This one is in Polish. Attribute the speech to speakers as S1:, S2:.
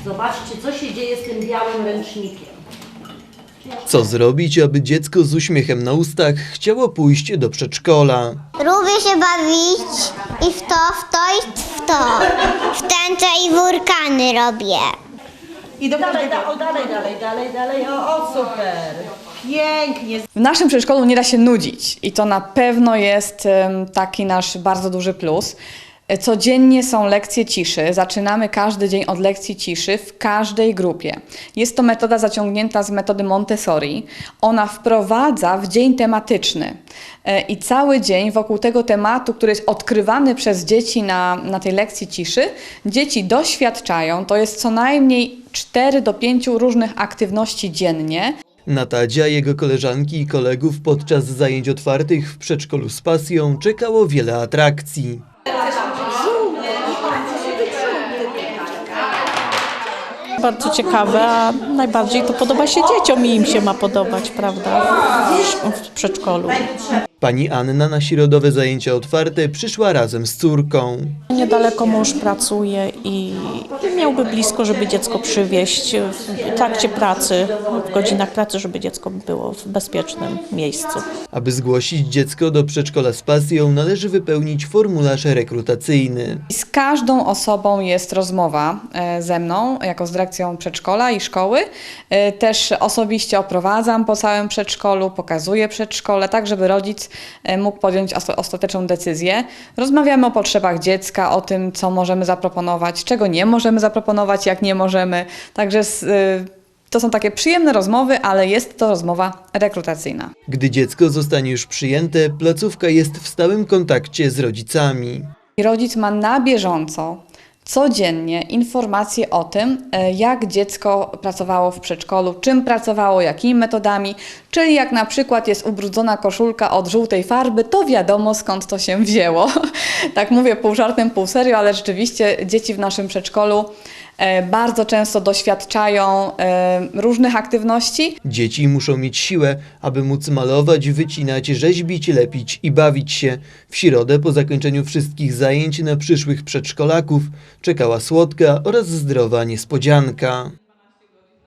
S1: Zobaczcie, co się dzieje z tym białym ręcznikiem.
S2: Co zrobić, aby dziecko z uśmiechem na ustach chciało pójść do przedszkola?
S3: Lubię się bawić i w to i w to. W tęcze i wulkany robię.
S1: I dalej, o super. Pięknie.
S4: W naszym przedszkolu nie da się nudzić i to na pewno jest taki nasz bardzo duży plus. Codziennie są lekcje ciszy. Zaczynamy każdy dzień od lekcji ciszy w każdej grupie. Jest to metoda zaciągnięta z metody Montessori. Ona wprowadza w dzień tematyczny i cały dzień wokół tego tematu, który jest odkrywany przez dzieci na tej lekcji ciszy, dzieci doświadczają, to jest co najmniej 4 do 5 różnych aktywności dziennie.
S2: Na Tadzia, jego koleżanki i kolegów podczas zajęć otwartych w przedszkolu z pasją czekało wiele atrakcji.
S5: Bardzo ciekawe, a najbardziej to podoba się dzieciom i im się ma podobać, prawda, w przedszkolu.
S2: Pani Anna na środowe zajęcia otwarte przyszła razem z córką.
S5: Niedaleko mąż pracuje i miałby blisko, żeby dziecko przywieźć w trakcie pracy, w godzinach pracy, żeby dziecko było w bezpiecznym miejscu.
S2: Aby zgłosić dziecko do przedszkola z pasją, należy wypełnić formularz rekrutacyjny.
S4: Z każdą osobą jest rozmowa ze mną, jako z dyrekcją przedszkola i szkoły. Też osobiście oprowadzam po całym przedszkolu, pokazuję przedszkole, tak żeby rodzic mógł podjąć ostateczną decyzję. Rozmawiamy o potrzebach dziecka, o tym, co możemy zaproponować, czego nie możemy zaproponować, jak nie możemy. Także to są takie przyjemne rozmowy, ale jest to rozmowa rekrutacyjna.
S2: Gdy dziecko zostanie już przyjęte, placówka jest w stałym kontakcie z rodzicami.
S4: I rodzic ma na bieżąco, codziennie informacje o tym, jak dziecko pracowało w przedszkolu, czym pracowało, jakimi metodami, czyli jak na przykład jest ubrudzona koszulka od żółtej farby, to wiadomo skąd to się wzięło. Tak mówię pół żartem, pół serio, ale rzeczywiście dzieci w naszym przedszkolu bardzo często doświadczają różnych aktywności.
S2: Dzieci muszą mieć siłę, aby móc malować, wycinać, rzeźbić, lepić i bawić się. W środę po zakończeniu wszystkich zajęć na przyszłych przedszkolaków czekała słodka oraz zdrowa niespodzianka.